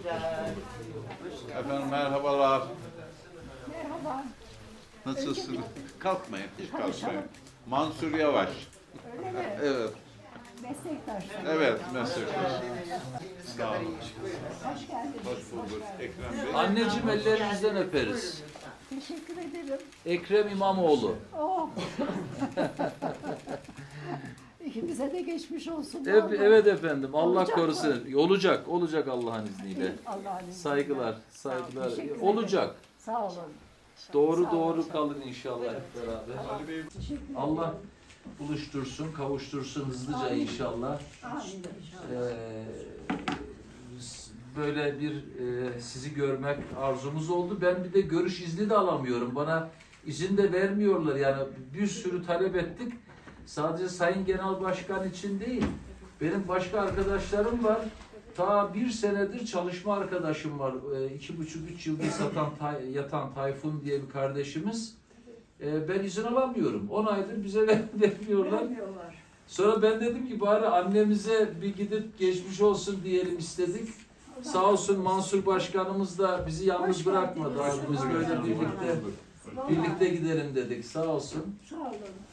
Efendim merhabalar. Merhaba. Nasılsınız? Kalkmayın, hiç Tanışalım. kalkmayın. Mansur Yavaş. Öyle mi? Evet, Meslektaşlar. evet meslektaş. Sağ olun. Hoş geldiniz. Hoş bulduk Ekrem Bey. Anneciğim ellerinizden öperiz. Teşekkür ederim. Ekrem İmamoğlu. Oh. İkimize de geçmiş olsun. Evet efendim. Allah Olacak mı? korusun. Olacak Allah'ın izniyle. Allah'ın izniyle. Saygılar, saygılar. Teşekkür ederim. Olacak. Sağ olun. Doğru kalın inşallah hep beraber. Ali Bey, Teşekkür ederim. Allah buluştursun, kavuştursun hızlıca inşallah. Amin inşallah. Böyle bir sizi görmek arzumuz oldu. Ben bir de görüş izni de alamıyorum. Bana izin de vermiyorlar. Yani bir sürü talep ettik. Sadece Sayın Genel Başkan için değil. Benim başka arkadaşlarım var. Ta bir senedir çalışma arkadaşım var. 2,5-3 yıldır yatan Tayfun diye bir kardeşimiz. Ben izin alamıyorum. 10 aydır bize vermiyorlar. Vermiyorlar. Sonra ben dedim ki bari annemize bir gidip geçmiş olsun diyelim istedik. Sağ olsun Mansur Başkanımız da bizi yalnız Hoş bırakmadı. geldiniz. Abi biz böyle birlikte gidelim dedik. Sağ olsun. Sağ olun.